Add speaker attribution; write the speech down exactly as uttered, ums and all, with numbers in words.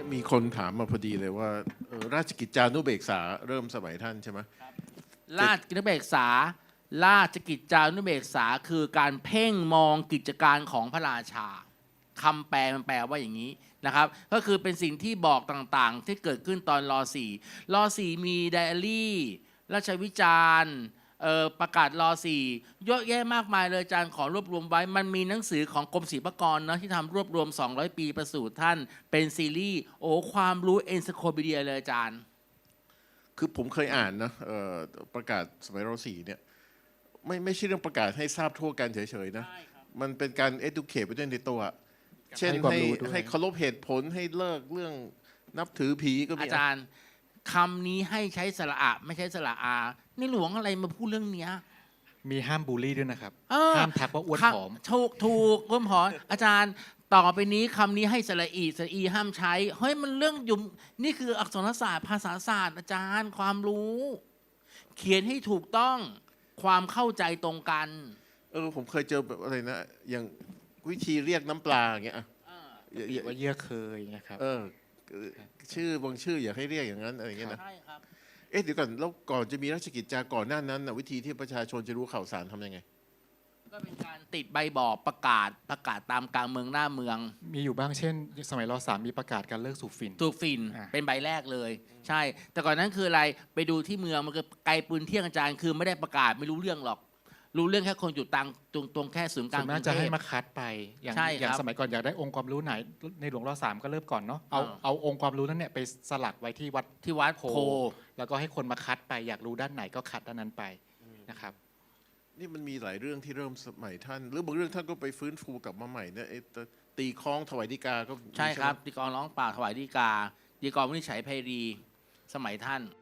Speaker 1: มีคนถามมาพอดีเลยว่าเอ่อราชกิจจานุเบกษาเริ่มสมัยท่านใช่ไหม
Speaker 2: ราชกิจจานุเบกษา ราชกิจจานุเบกษาคือการเพ่งมองกิจการของพระราชาคำแปลมันแปลว่าอย่างนี้นะครับ ก็คือเป็นสิ่งที่บอกต่างๆ ที่เกิดขึ้นตอนรอสี่รอสี่มีไดอารี่ราชวิจารณ์ประกาศรอสี่เยอะแยะมากมายเลยอาจารย์ขอรวบรวมไว้ มันมีหนังสือของกรมศิลปากรนะที่ทำรวบรวมสองร้อยปีประสูติท่านเป็นซีรีส์โอ้ความรู้เอนไซโคปีเดียเลยอาจารย์
Speaker 1: คือผมเคยอ่านนะประกาศสมัยรอสี่เนี่ยไม่ไม่ใช่เรื่องประกาศให้ทราบทั่วกันเฉยๆนะมันเป็นการ educate ไปด้วยในตัวเช่นให้ให้เคารพเหตุผลให้เลิกเรื่องนับถือผีก็มี
Speaker 2: อาจารย์คำนี้ให้ใช้สระอะไม่ใช้สระอาในหลวงอะไรมาพูดเรื่องเนี้ย
Speaker 3: มีห้ามบูลลี่ด้วยนะครับห้ามทักว่าอ้วนผอม
Speaker 2: ถูกถูกอ้วนผอมอาจารย์ต่อไปนี้คำนี้ให้สระอีสระอีห้ามใช้เฮ้ยมันเรื่องยุ่มนี่คืออักษรศาสตร์ภาษาศาสตร์อาจารย์ความรู้ เขียนให้ถูกต้องความเข้าใจตรงกัน
Speaker 1: เออผมเคยเจอแบบอะไรนะอย่างวิธีเรียกน้ำปลาอย่างเงี้ย
Speaker 3: ว่าเยื่อเคยนะครับ
Speaker 1: เออชื่อบางชื่ออยากให้เรียกอย่างนั้นอะไรอย่างเงี้ยนะเอ๊ะเดี๋ยวก่อนแล้วก่อนจะมีราชกิจจาก่อนหน้านั้นนะวิธีที่ประชาชนจะรู้ข่าวสารทำยังไง
Speaker 2: ก็เป็นการติดใบบอกประกาศประกาศตามกลางเมืองหน้าเมือง
Speaker 3: มีอยู่บ้างเช่นสมัยรอสามมีประกาศการเลิกสูบฝิ่น
Speaker 2: สูบฝิ่นเป็นใบแรกเลยใช่แต่ก่อนนั้นคืออะไรไปดูที่เมืองมันก็ไกลปืนเที่ยงอาจารย์คือไม่ได้ประกาศไม่รู้เรื่องหรอกรู้เรื่องแค่คนอยู่ตังตรงตรงแค่ศูนย์กลาง
Speaker 3: กรุงเทพจะให้มาคัดไปอย่างอย่างสมัยก่อนอยากได้องค์ความรู้ไหนในหลวงรอสามก็เริ่มก่อนเนาะเอาเอาองค์ความรู้นั้นเนี่ยไปสลักไว้ที่วัด
Speaker 2: ที่วัดโพ
Speaker 3: แล้วก็ให้คนมาคัดไปอยากรู้ด้านไหนก็คัดด้านนั้นไปนะครับ
Speaker 1: นี่มันมีหลายเรื่องที่เริ่มสมัยท่านหรือบางเรื่องท่านก็ไปฟื้นฟูกลับมาใหม่เนี่ยตีคล้องถวายฎีกาก็
Speaker 2: ใช่ครับตีกลองร้องเปล่าถวายฎีกาฎีกาวินิจฉัยไพรีสมัยท่าน